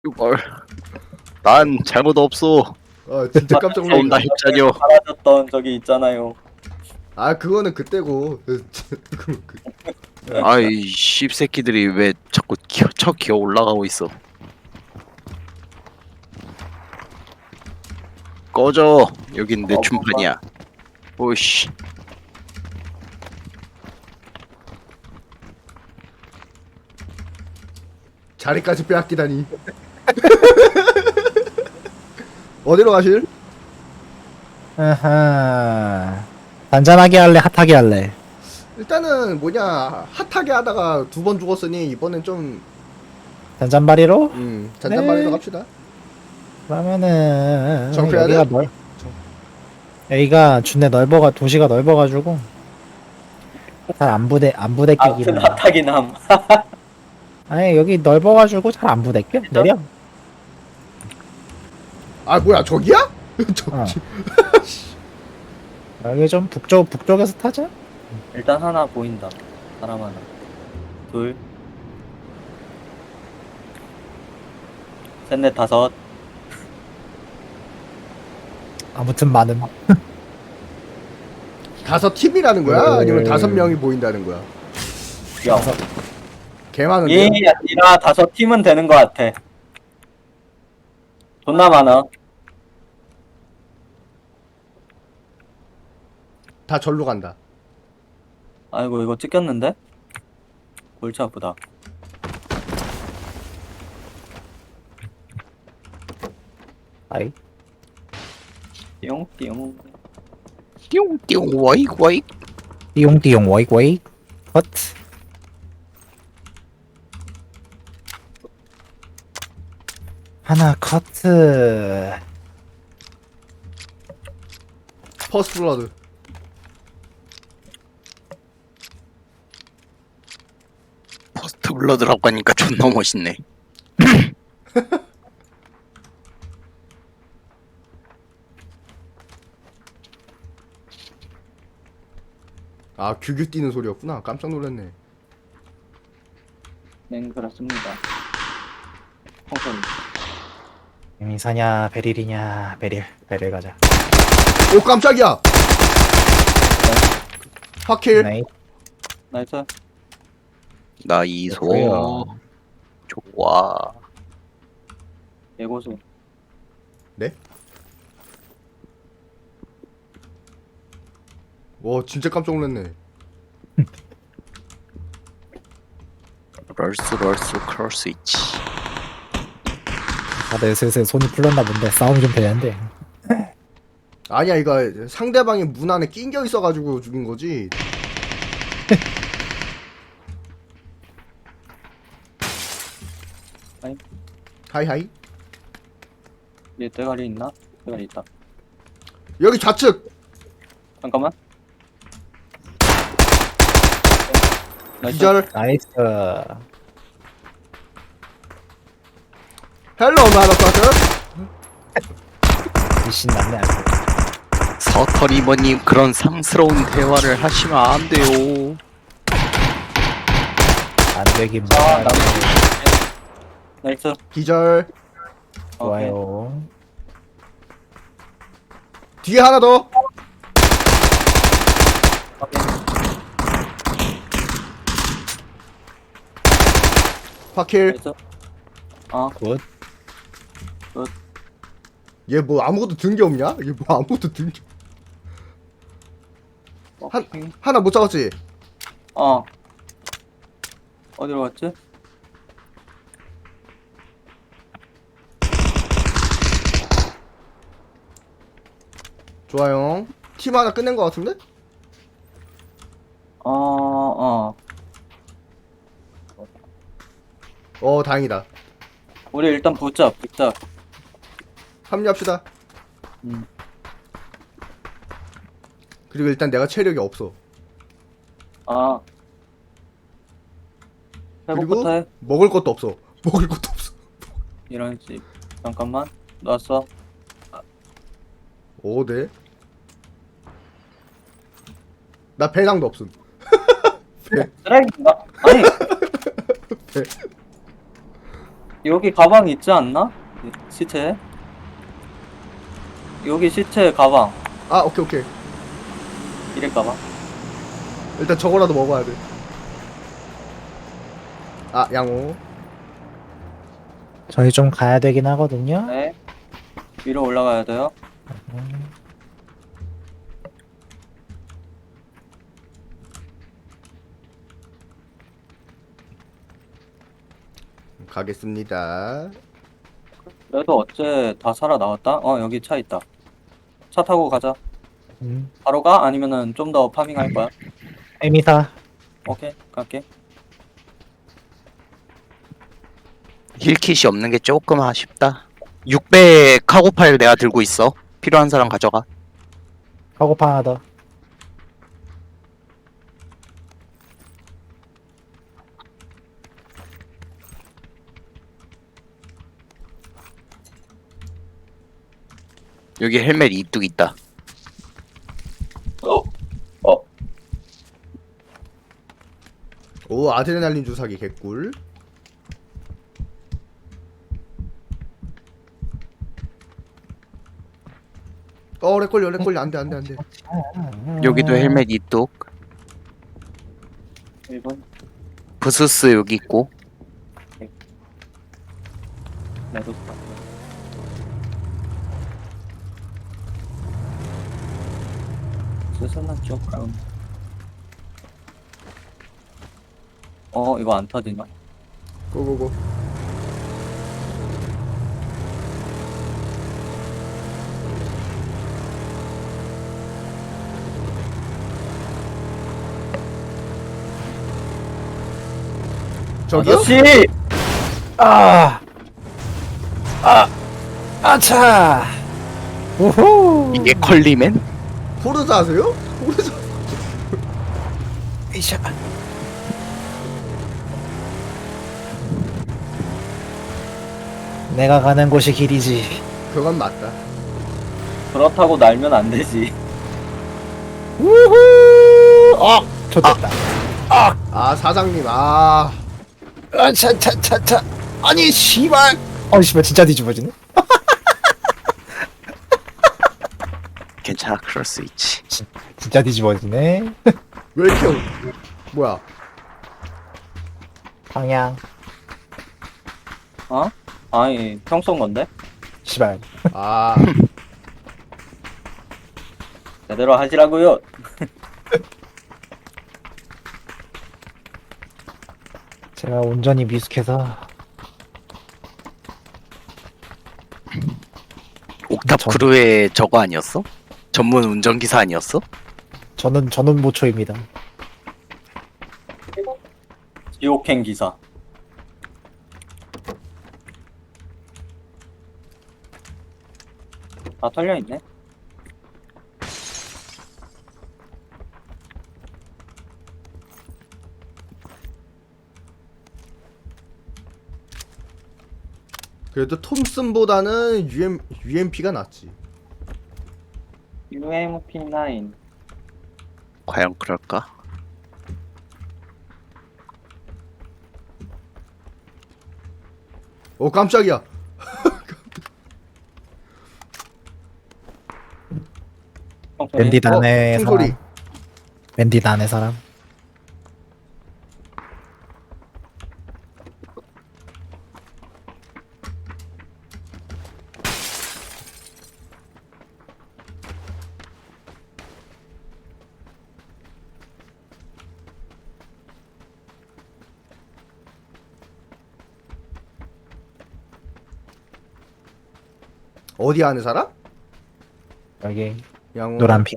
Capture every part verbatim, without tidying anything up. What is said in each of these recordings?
뭘? 난 잘못 없어. 아 진짜 깜짝 놀랐네. 온다 heb자녀. 사라졌던 적이 있잖아요. 아 그거는 그때고. 그- 그- 아이 씹새끼들이 왜 자꾸 기어, 쳐 기어 올라가고 있어. 꺼져. 여긴 내 어, 춤판이야. 오씨. 자리까지 빼앗기다니. 어디로 가실? 아하. 단단하게 할래, 핫하게 할래. 일단은 뭐냐 핫하게 하다가 두 번 죽었으니 이번엔 좀 단짠바리로? 음, 잔잔바리로 네. 갑시다. 그러면은 정표해야 여기가 돼? 넓. 여기가 준내 넓어가 도시가 넓어가지고 잘 안 부대 안 부대끼기는. 아무튼 핫하긴 함. 아니 여기 넓어가지고 잘 안 부대껴. 내려. 아 뭐야 저기야? 저, 어. 여기 좀 북쪽 북쪽에서 타자. 일단 하나 보인다. 사람 하나. 둘. 셋, 넷, 다섯. 아무튼 많음. 다섯 팀이라는 거야? 네. 아니면 다섯 명이 보인다는 거야? 야. 개 많은데? 이 아니라 다섯 팀은 되는 것 같아. 존나 많아. 다 절로 간다. 아이고 이거 찍혔는데? 골치 아프다. 아이. 띠용띠용. 띠용띠용 와익 와익. 띠용띠용 와익 와익. 헛. 하나 커트. 퍼스트 블러드. 포스트 블러드라고 하니까 존나 멋있네. 아 규규 뛰는 소리였구나. 깜짝 놀랐네. 네 그렇습니다. 홍선. 미사냐 베릴이냐 베릴 베릴 가자. 오 깜짝이야. 확킬. 네. 나이스. 나 이소. 좋고요. 좋아. 예고수. 네? 와 진짜 깜짝 놀랐네. 럴스 럴스 크로스 있지. 다들 슬슬 손이 풀렸나 본데 싸움이 좀 되는데. 아니야 이거 상대방이 문 안에 낑겨 있어가지고 죽인 거지. 하이. 하이하이. 얘 대가리 있나? 대가리 있다. 여기 좌측. 잠깐만. 나이스. 기절. 나이스. 헬로 마더파커. 미신 났네 아주. 서터리버님 그런 상스러운 대화를 하시면 안 돼요. 안 되긴 아, 뭐야. 나 나이스. 기절. 오케이. 좋아요. 뒤에 하나 더. 확킬. 나이스. 어, 굿. 얘 뭐 아무것도 든 게 없냐? 얘 뭐 아무것도 든 게. 한- 오케이. 하나 못 잡았지? 어. 어디로 갔지? 좋아요. 팀 하나 끝낸 거 같은데? 어, 어. 어 다행이다. 우리 일단 붙자, 붙자. 합류합시다. 음. 그리고 일단 내가 체력이 없어. 아. 그리고 회복부터 해. 먹을 것도 없어. 먹을 것도 없어. 이런 식. 잠깐만. 놨어. 오 네. 나 배낭도 없음. 쓰레기인가? 아니. 배. 여기 가방 있지 않나? 이 시체에? 여기 시체 가방. 아 오케이 오케이. 이래 가방. 일단 저거라도 먹어야 돼. 아 양호. 저희 좀 가야 되긴 하거든요. 네. 위로 올라가야 돼요. 음, 가겠습니다. 그래도 어째 다 살아나왔다? 어, 여기 차 있다. 차 타고 가자. 음. 바로 가? 아니면은 좀 더 파밍할 거야? 에미사. 오케이, 갈게. 힐킷이 없는 게 조금 아쉽다. 육백 카고 파일 내가 들고 있어. 필요한 사람 가져가. 카고파 하나 더. 여기 헬멧 이뚝 있다. 어, 어. 오 아드레날린 주사기 개꿀. 어 렉걸려 렉걸려 안돼 안돼 안돼. 여기도 헬멧 이뚝. 일 번. 부스스 여기 있고. 나도 스스나 조금. 어, 이거 안 터지나? 고고고. 저기요? 아저씨! 아! 아! 아차! 우후! 이게 컬리맨? 포르자 하세요? 포르자. 이샤. 내가 가는 곳이 길이지. 그건 맞다. 그렇다고 날면 안 되지. 우후! 어! 좋됐다. 아 사장님 아 아, 차, 차, 차, 차. 아니, 씨발! 어, 씨발, 진짜 뒤집어지네? 괜찮아, 그럴 수 있지. 진짜 뒤집어지네? 왜 이렇게 뭐야? 방향. 어? 아니, 평소 건데? 씨발. 아 제대로 하시라고요. 제가 운전이 미숙해서. 옥탑 전- 크루의 저거 아니었어? 전문 운전기사 아니었어? 저는, 저는 모초입니다. 지옥행 기사. 다 털려있네? 그래도 톰슨보다는 유엠 유엠피가 낫지. 유엠피 나인. 과연 그럴까? 오 깜짝이야. 밴딧 어, 안에 총소리. 사람. 밴딧 안에 사람. 어디 아는 사람? 여기, 양호. 노란빛.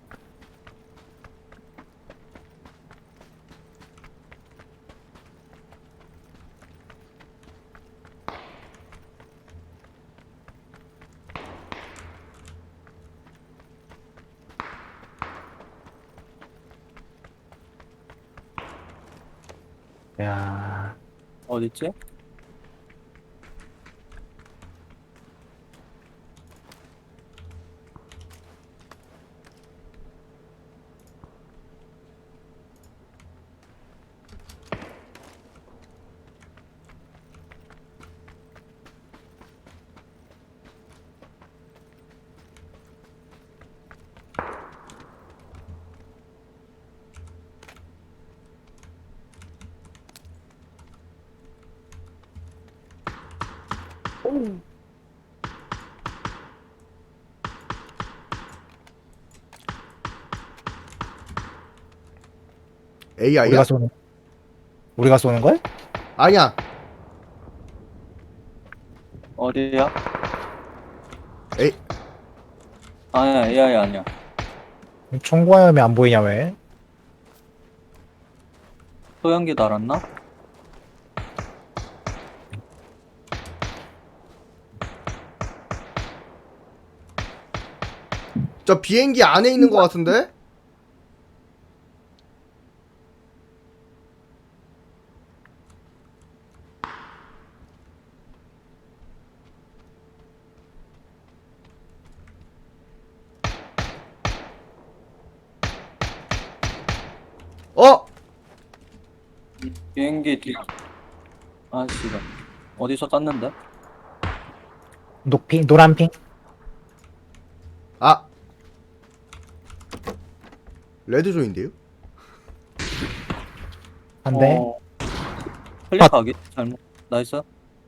야, 어딨지? 에이아이야? 우리가 쏘는 우리가 쏘는 걸? 아니야. 어디야? 에이. 아니야, 에이아이 아니야. 총구화염이 안 보이냐 왜? 소형기 달았나? 저 비행기 안에 있는 것 같은데? 어? 비행기 뒤. 아, 씨발. 어디서 쐈는데? 녹핑 노란핑 아. 레드존인데요? 한대. 어... 클릭하기? 잘못. 나이스.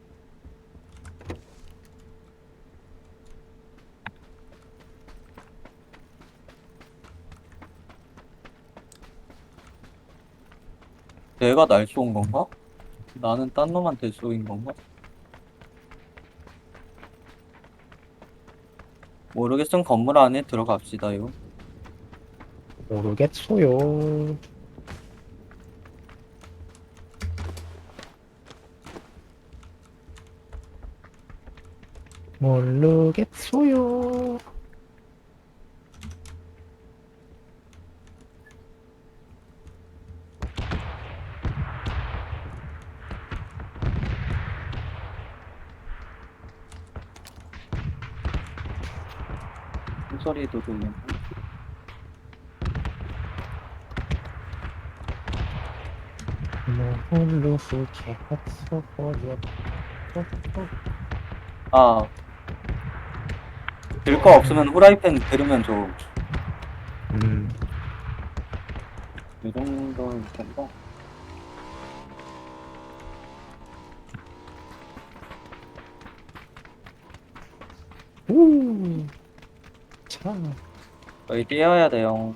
내가 날 쏜 건가? 나는 딴 놈한테 쏘인 건가? 모르겠으면 건물 안에 들어갑시다요. 모르겠소요. 모르겠소요. 소리도 들리고. 홀로 후게 헛소버려. 아. 들 거 없으면 후라이팬 들으면 좋음. 음, 이 정도일 텐데. 우, 참. 저희 뛰어야 돼요.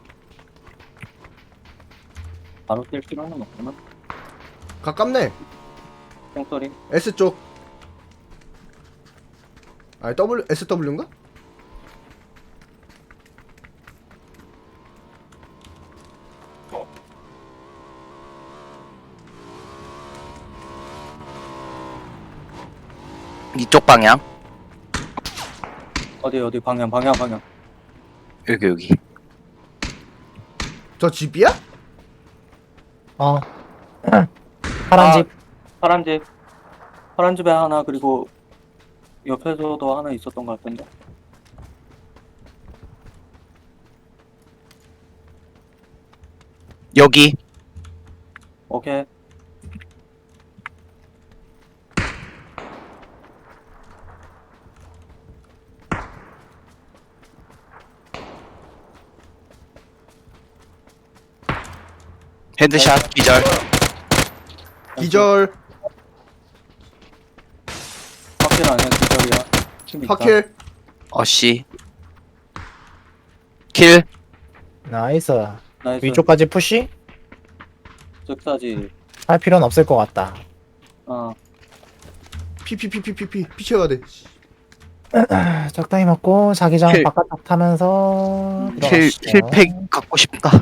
바로 뛸 필요는 없구나. 가깝네. tiếng 소리. S쪽. 아니 W 에스더블유인가? 이쪽 방향. 어디 어디 방향 방향 방향. 여기 여기. 저 집이야? 어. 파란 아, 집. 파란 집. 파란 집에 하나 그리고 옆에서도 하나 있었던 것 같은데. 여기. 오케이. 헤드샷 기절. 기절. 확실 아니야 기절이야. 팀 있다. 파킬. 어씨. 킬. 나이스. 나이스. 위쪽까지 푸시? 즉사지. 할 필요는 없을 것 같다. 어. 피피피피피피 피쳐야 돼. 아, 적당히 먹고 자기장 킬. 바깥쪽 타면서 킬 들어가시죠. 킬팩 갖고 싶다.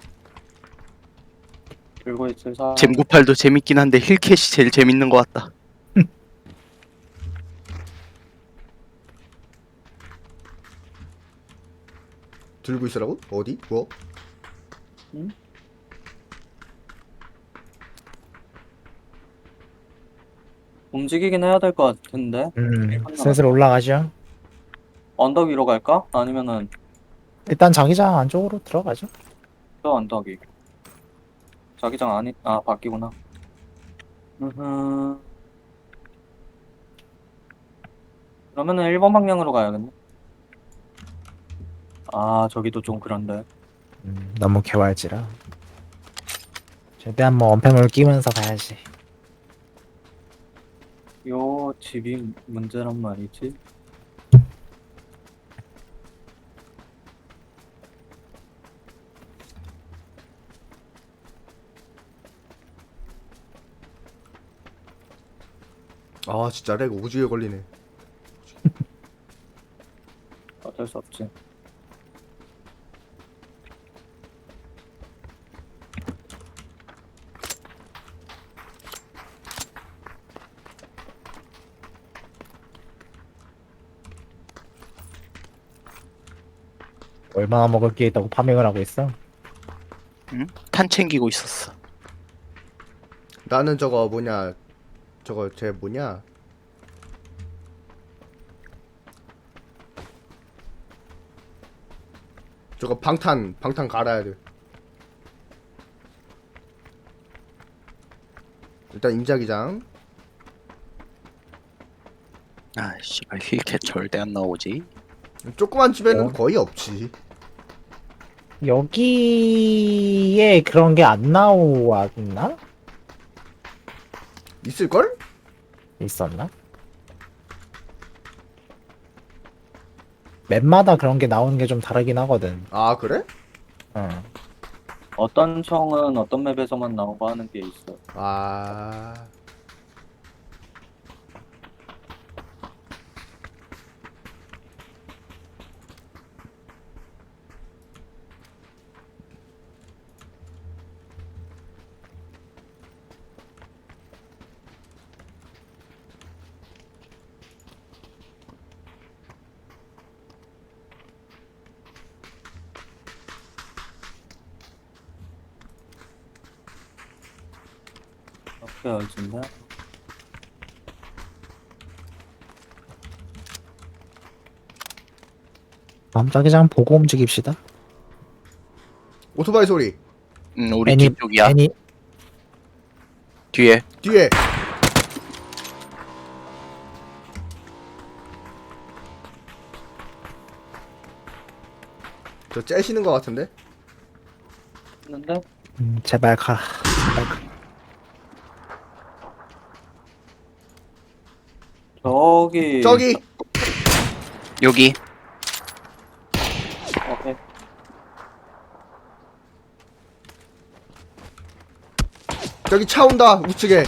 들고 있을 사람. 잼구팔도 재밌긴 한데 힐캣이 제일 재밌는 것 같다. 들고 있으라고? 어디? 뭐? 움직이긴 해야 될 것 같은데. 음, 슬슬 올라가죠. 언덕 위로 갈까? 아니면은 일단 자기장 안쪽으로 들어가죠. 저 언덕이. 자기장 아니 아 바뀌구나. 으흠. 그러면은 일 번 방향으로 가야겠네. 아 저기도 좀 그런데. 음, 너무 개활지라. 최대한 뭐 언패물 끼면서 가야지. 요 집이 문제란 말이지. 아 진짜 렉 오지게 걸리네. 어쩔 수 없지. 얼마나 먹을 게 있다고 파밍을 하고 있어? 응? 탄 챙기고 있었어. 나는 저거 뭐냐 저거 쟤 뭐냐 저거 방탄 방탄 갈아야 돼. 일단 임자기장. 아 씨발 힐캣 절대 안 나오지. 조그만 집에는 어? 거의 없지. 여기에 그런 게 안 나왔나? 있을걸? 있었나? 맵마다 그런 게 나오는 게 좀 다르긴 하거든. 아 그래? 응. 어떤 청은 어떤 맵에서만 나오고 하는 게 있어. 아 어떻게 열진데? 깜짝이장 보고 움직입시다. 오토바이 소리 응 우리 애니- 뒤쪽이야. 애니 뒤에. 뒤에. 저 째시는 것 같은데? 했는데 음, 제발 가. 제발 가. 저기 저기 여기. 오케이. 저기 차 온다 우측에.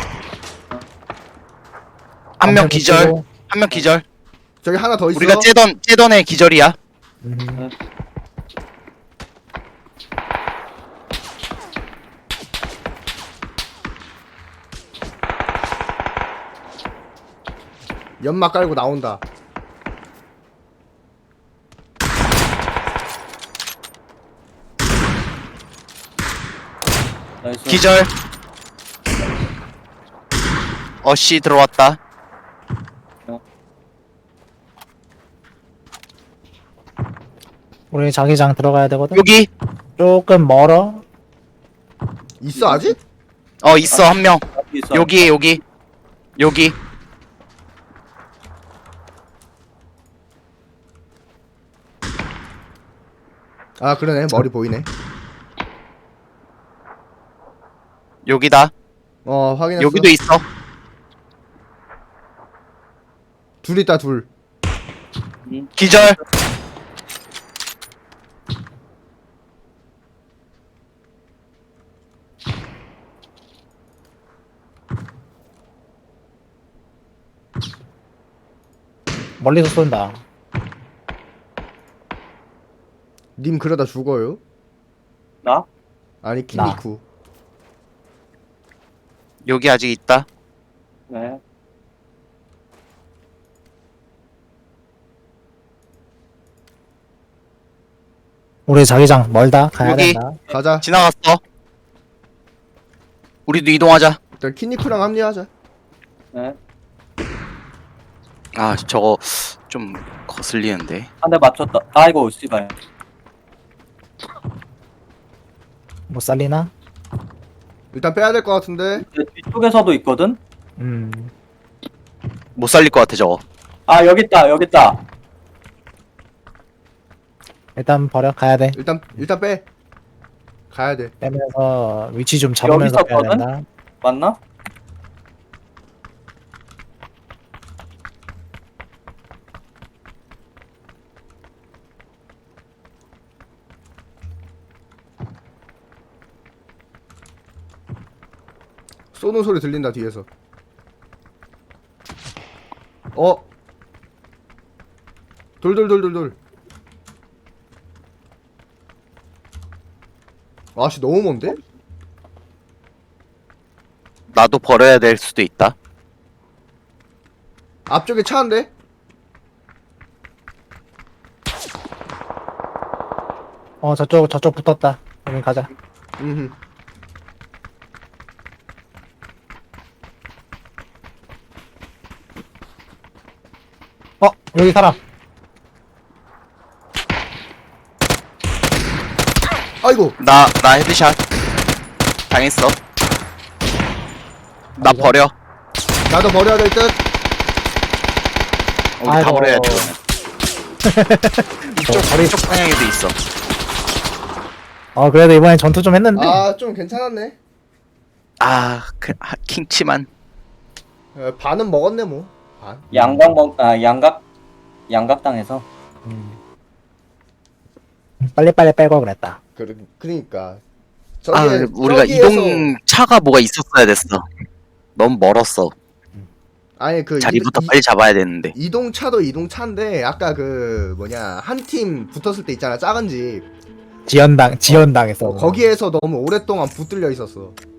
한 명 엄청 기절. 붙이고. 한 명 기절. 저기 하나 더 있어. 우리가 째던 째던 애 기절이야. 음, 연막 깔고 나온다. 나이스. 기절. 어씨 들어왔다. 우리 자기장 들어가야 되거든. 여기. 조금 멀어. 있어 아직? 어 있어 한 명. 여기 있어. 여기 여기. 여기. 아 그러네 머리 보이네. 여기다. 어 확인했어. 여기도 있어. 둘 있다 둘. 응. 기절. 멀리서 쏜다. 님 그러다 죽어요. 나? 아니 나. 키니쿠. 여기 아직 있다. 네. 우리 자기장 멀다. 가야 여기. 된다. 가자. 지나갔어. 우리도 이동하자. 일단 키니쿠랑 합류하자. 네. 아 저거 좀 거슬리는데. 한 대 맞췄다. 아이고 씨발. 못 살리나? 일단 빼야 될 것 같은데. 내 뒤쪽에서도 있거든. 음. 못 살릴 것 같아 저거. 아 여기 있다. 여기 있다. 일단 버려. 가야 돼. 일단 일단 빼. 가야 돼. 빼면서 위치 좀 잡으면서 여기 빼야 있었거든? 된다. 맞나? 쏘는 소리 들린다 뒤에서. 어? 돌돌돌돌돌. 아씨 너무 먼데? 나도 버려야 될 수도 있다. 앞쪽에 차 한 대? 어 저쪽 저쪽 붙었다. 우린 가자. 음. 어 여기 사람. 아이고. 나, 나 헤드샷. 당했어. 나 아이고. 버려. 나도 버려야 될 듯. 우리 다 아이고. 버려야 돼. 이쪽, 어, 버리- 이쪽 방향에도 있어. 어 그래도 이번엔 전투 좀 했는데. 아 좀 괜찮았네. 아, 그, 아, 킹치만. 어, 반은 먹었네 뭐. 반. 양각 먹, 아, 양각, 양각 당해서. 음. 빨리 빨리 빼고 그랬다. 그 그러니까. 아, 저기에- 우리가 저기에서- 이동 차가 뭐가 있었어야 됐어. 너무 멀었어. 아니 그 자리부터 이- 빨리 잡아야 되는데. 이동차도 이동차인데 아까 그 뭐냐 한 팀 붙었을 때 있잖아 작은 집 지연당 지연당했어. 어, 거기에서 너무 오랫동안 붙들려 있었어.